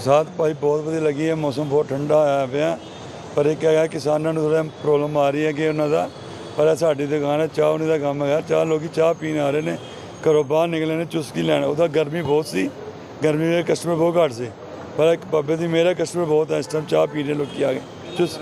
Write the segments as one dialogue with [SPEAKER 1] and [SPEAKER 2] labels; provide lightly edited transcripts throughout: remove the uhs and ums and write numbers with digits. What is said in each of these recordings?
[SPEAKER 1] बरसात भाई बहुत वधिया लगी है। मौसम बहुत ठंडा होया पिया, पर एक है किसानों को थोड़ा प्रॉब्लम आ रही है कि उन्होंने पर साड़ी दुकान है चाह उन्हीं का काम है। चाह लोग चाह पीने आ रहे हैं, घरों बाहर निकले ने चुस्की लैन। उदा गर्मी बहुत सी, गर्मी में कस्टमर बहुत घट से, पर एक बाबे की मेहर कस्टमर बहुत है। इस टाइम चाह पी रहे लोग आ गए चुस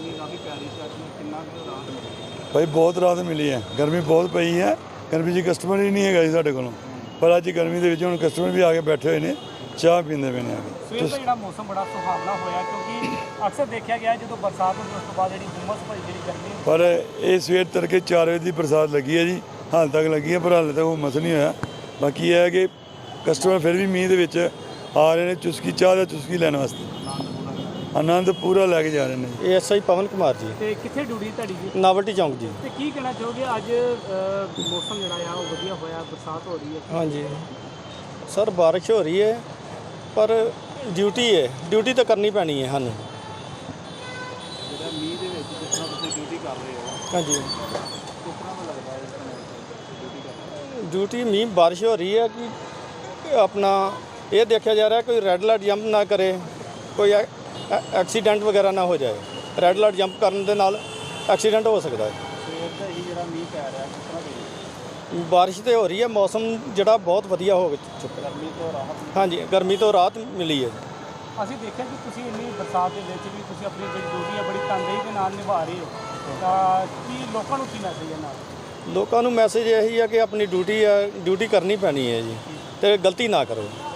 [SPEAKER 1] भाई बहुत राहत मिली है। गर्मी बहुत पई है, गर्मी जी कस्टमर ही नहीं है जी साढ़े को, पर अज गर्मी के हुण कस्टमर भी आके बैठे हुए हैं, चाह पींदे पे ने आके।
[SPEAKER 2] ਸਵੇਰ ਦਾ ਜਿਹੜਾ ਮੌਸਮ ਬੜਾ ਸੁਹਾਵਣਾ ਹੋਇਆ, ਕਿਉਂਕਿ ਅਕਸਰ ਦੇਖਿਆ ਗਿਆ ਜਦੋਂ ਬਰਸਾਤ ਹੁੰਦੀ ਉਸ ਤੋਂ ਬਾਅਦ ਜਿਹੜੀ ਗੁੰਮਸ ਭਰੀ ਜਿਹੜੀ ਗਰਮੀ ਹੁੰਦੀ।
[SPEAKER 1] पर ये सवेर तड़के 4 बजे की बरसात लगी है जी, हाल तक लगी है, पर हाले तक हुमस नहीं होया। बाकी यह है कि कस्टमर फिर भी मीह दे विच आ रहे हैं चुस्की चाह दा चुस्की लैण वास्ते, आनंद पूरा लैके जा रहे हैं जी।
[SPEAKER 3] एएसआई पवन कुमार जी,
[SPEAKER 2] ਤੇ ਕਿੱਥੇ ਡਿਊਟੀ ਤੁਹਾਡੀ ਜੀ?
[SPEAKER 3] नावल्टी चौंक जी।
[SPEAKER 2] ਤੇ ਕੀ ਕਹਿਣਾ ਚਾਹੋਗੇ ਅੱਜ ਮੌਸਮ ਜਿਹੜਾ ਆ ਉਹ ਵਧੀਆ ਹੋਇਆ, ਬਰਸਾਤ ਹੋ ਰਹੀ ਹੈ?
[SPEAKER 3] हाँ जी सर, बारिश हो रही है पर ड्यूटी है, ड्यूटी तो करनी पैनी है सानू।
[SPEAKER 2] ਜਿਹੜਾ ਮੀਂਹ ਦੇ ਵਿੱਚ ਜਿਸ ਤਰ੍ਹਾਂ ਤੁਸੀਂ ਡਿਊਟੀ ਕਰ ਰਹੇ ਹੋ,
[SPEAKER 3] हाँ जी
[SPEAKER 2] ਕਿਸ ਤਰ੍ਹਾਂ ਦਾ ਲੱਗਦਾ ਹੈ ਇਸ ਤਰ੍ਹਾਂ ਡਿਊਟੀ ਕਰਨਾ?
[SPEAKER 3] ड्यूटी मीह बारिश हो रही है कि अपना ये देखा जा रहा है कोई रेड लाइट जंप ना करे, कोई एक्सीडेंट वगैरह ना हो जाए। रेड लाइट जंप करने के नाल एक्सीडेंट हो सकता है।
[SPEAKER 2] ਸਵੇਰ ਦਾ ਹੀ ਜਿਹੜਾ ਮੀਂਹ ਪੈ ਰਿਹਾ ਕਿਸ ਤਰ੍ਹਾਂ ਦੀ
[SPEAKER 3] बारिश तो हो रही है, मौसम जड़ा बहुत वधिया हो चुका।
[SPEAKER 2] ਗਰਮੀ ਤੋਂ ਰਾਹਤ?
[SPEAKER 3] हाँ जी गर्मी तो राहत मिली है।
[SPEAKER 2] ਅਸੀਂ ਦੇਖਿਆ ਕਿ ਤੁਸੀਂ ਇੰਨੀ ਬਰਸਾਤ ਦੇ ਵਿੱਚ ਵੀ ਤੁਸੀਂ ਆਪਣੀ ਜਿਹੜੀ ਡਿਊਟੀ ਹੈ ਬੜੀ ਤਨਦੇਹੀ ਦੇ ਨਾਲ ਨਿਭਾ ਰਹੇ ਹੋ, ਤਾਂ ਕੀ ਲੋਕਾਂ ਨੂੰ ਕੀ ਮੈਸੇਜ ਹੈ ਨਾਲ?
[SPEAKER 3] ਲੋਕਾਂ ਨੂੰ ਮੈਸੇਜ ਇਹੀ ਹੈ ਕਿ ਆਪਣੀ ਡਿਊਟੀ ਹੈ, ਡਿਊਟੀ ਕਰਨੀ ਪੈਣੀ ਹੈ ਜੀ, ਤੇ ਗਲਤੀ ਨਾ ਕਰੋ।